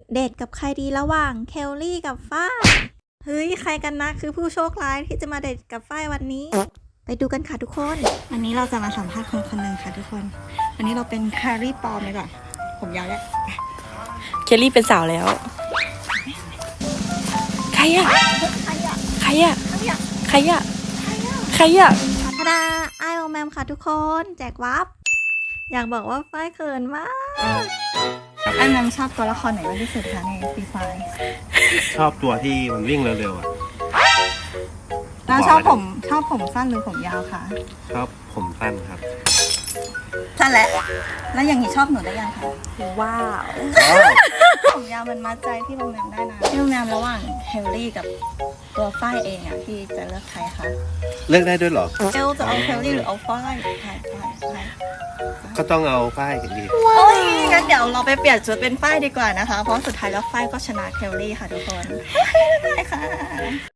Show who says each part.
Speaker 1: เดทกับใครดีระหว่างเคลลี่กับฝ้ายเฮ้ยใครกันนะคือผู้โชคร้ายที่จะมาเดทกับฝ้ายวันนี้ ไปดูกันค่ะทุกคนวันนี้เราจะมาสัมภาษณ์คนคนหนึ่งค่ะทุกคนวันนี้เราเป็นแคลรี่ปลอมเลยก่อนผมยาวแล้ว
Speaker 2: เคลลี่เป็นสาวแล้วใครอะใครอะใครอะใครอะใครอะ
Speaker 1: ธดาไอโอแมมค่ะทุกคนแจกวับอยากบอกว่าฝ้ายเขินมากไอแมมชอบตัวละครไหนมากที่สุดคะในฟรีไฟร์
Speaker 3: ชอบตัวที่มันวิ่งเร็วๆอ่ะ
Speaker 1: แล้วชอบผมสั้นหรือผมยาวคะ
Speaker 3: ชอบผมสั้นครับ
Speaker 1: สั้นแหละแล้วอย่างนี้ชอบหนูได้ยังคะว้าว ผมยาวมันมัดใจพี่โรงแรมได้นะพี่โรงแรมระหว่างเฮลลี่กับตัวฝ้ายเองอ่ะพี่จะเลือกใครคะ
Speaker 3: เลือกได้ด้วยเหรอ
Speaker 1: เฮลจะเอาเฮลลี่หรือเอาฝ้าย
Speaker 3: ก็ต้องเอาฝ้ายกันดี
Speaker 1: โอ้ยงั้นเดี๋ยวเราไปเปลี่ยนชุดเป็นฝ้ายดีกว่านะคะเพราะสุดท้ายแล้วฝ้ายก็ชนะเฮลลี่ค่ะทุกคนได้ค่ะ